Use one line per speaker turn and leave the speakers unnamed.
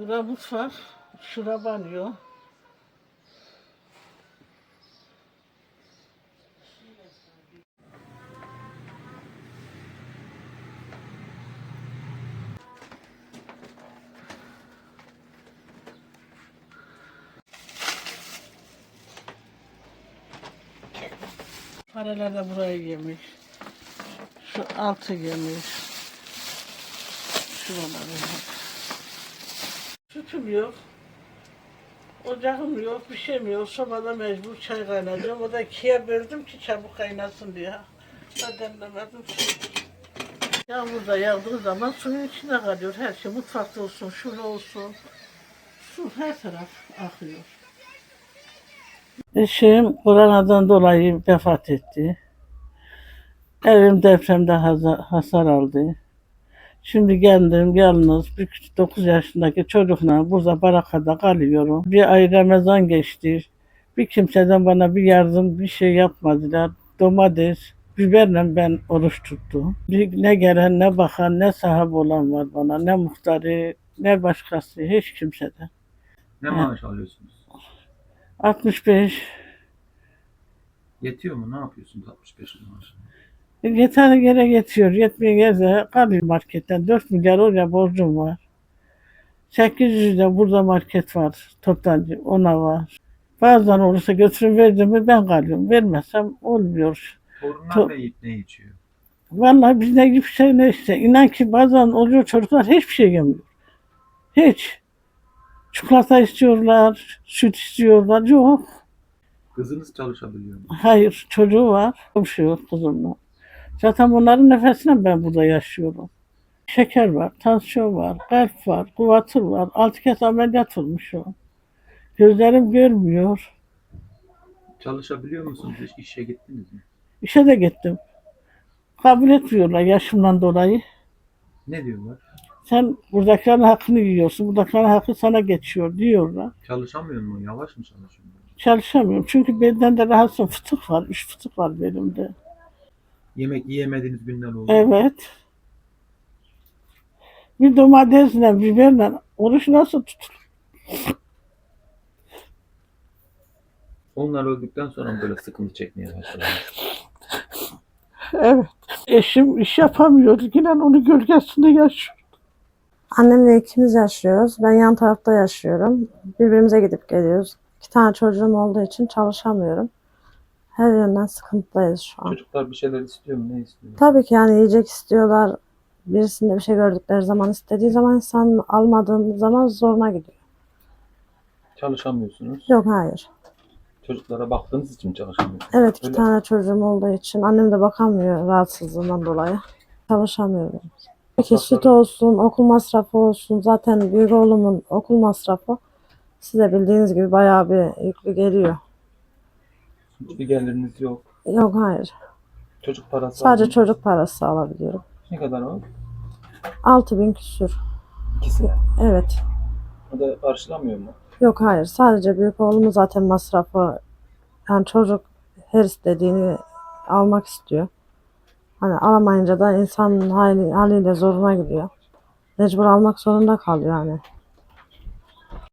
Bura mutfak, şura banyo. Paralar da burayı yemiş. Şu altı yemiş. Şuraları. Sütüm yok. Ocağım yok, bir şeyim yok. Sobada mecbur çay kaynayacağım. O da ikiye böldüm ki çabuk kaynasın diye. Demlemedim. Yağmur da yağdığı zaman suyun içinde kalıyor. Her şey mutfakta olsun, şurada olsun. Su her taraf akıyor. Eşim koronadan dolayı vefat etti. Evim depremde hasar aldı. Şimdi kendim yalnız 9 yaşındaki çocukla burada barakada kalıyorum. Bir ay Ramazan geçti. Bir kimseden bana bir yardım, bir şey yapmadılar. Domates, biberle ben oruç tuttum. Ne gelen, ne bakan, ne sahip olan var bana, ne muhtarı, ne başkası, hiç kimseden.
Ne maaş alıyorsunuz?
65.
Yetiyor mu? Ne yapıyorsunuz 65 maaş?
Yeter yere yetiyor. Yetmiyor yere kalıyor marketten. 4 milyar oraya borcum var. 800 de burada market var. Toptancı ona var. Bazen olursa götürün verdim mi ben kalıyorum. Vermezsem olmuyor.
Torunlar ne yiyip ne içiyor?
Vallahi biz ne gibi şey ne işte. İnan ki bazen oluyor çocuklar hiçbir şey yemiyor. Hiç. Çikolata istiyorlar, süt istiyorlar. Yok.
Kızınız çalışabiliyor mu?
Hayır çocuğu var. Bir şey yok kızımla. Zaten bunların nefesine ben burada yaşıyorum. Şeker var, tansiyon var, kalp var, kuvatır var. 6 kez ameliyat olmuş o. Gözlerim görmüyor.
Çalışabiliyor musunuz? Hiç işe gittiniz mi?
İşe de gittim. Kabul etmiyorlar yaşımdan dolayı.
Ne diyorlar?
Sen buradakilerin hakkını yiyorsun, buradakilerin hakkı sana geçiyor diyorlar.
Çalışamıyor mu? Yavaş mı çalışıyorsun?
Çalışamıyorum çünkü benden de rahatsız fıtık var, 3 fıtık var belimde.
Yemek yiyemediğiniz günler oldu mu?
Evet. Bir domatesle, biberle oruç nasıl tutulur?
Onlar öldükten sonra mı böyle sıkıntı çekmeye başladınız?
Evet. Eşim iş yapamıyor. Yine onun gölgesinde yaşıyor.
Annemle ikimiz yaşıyoruz. Ben yan tarafta yaşıyorum. Birbirimize gidip geliyoruz. 2 tane çocuğum olduğu için çalışamıyorum. Her yönden sıkıntıdayız şu an.
Çocuklar bir şeyler istiyor mu? Ne istiyor?
Tabii ki yani yiyecek istiyorlar. Birisinde bir şey gördükleri zaman, istediği zaman, insan almadığın zaman zoruna gidiyor.
Çalışamıyorsunuz.
Yok, hayır.
Çocuklara baktığınız için çalışamıyorsunuz.
Evet, 2
Öyle.
tane çocuğum olduğu için annem de bakamıyor rahatsızlığından dolayı. Çalışamıyorum. Peki süt olsun, okul masrafı olsun. Zaten büyük oğlumun okul masrafı size bildiğiniz gibi bayağı bir yüklü geliyor.
Hiçbir geliriniz yok.
Yok, hayır.
Çocuk parası
Sadece
aldınız.
çocuk parası alabiliyorum.
Ne kadar o?
6.000 küsür.
İkisine.
Evet.
O da karşılamıyor mu?
Yok, hayır. Sadece büyük oğlumun zaten masrafı. Yani çocuk her istediğini almak istiyor. Hani alamayınca da insanın haliyle zoruna gidiyor. Mecbur almak zorunda kalıyor yani.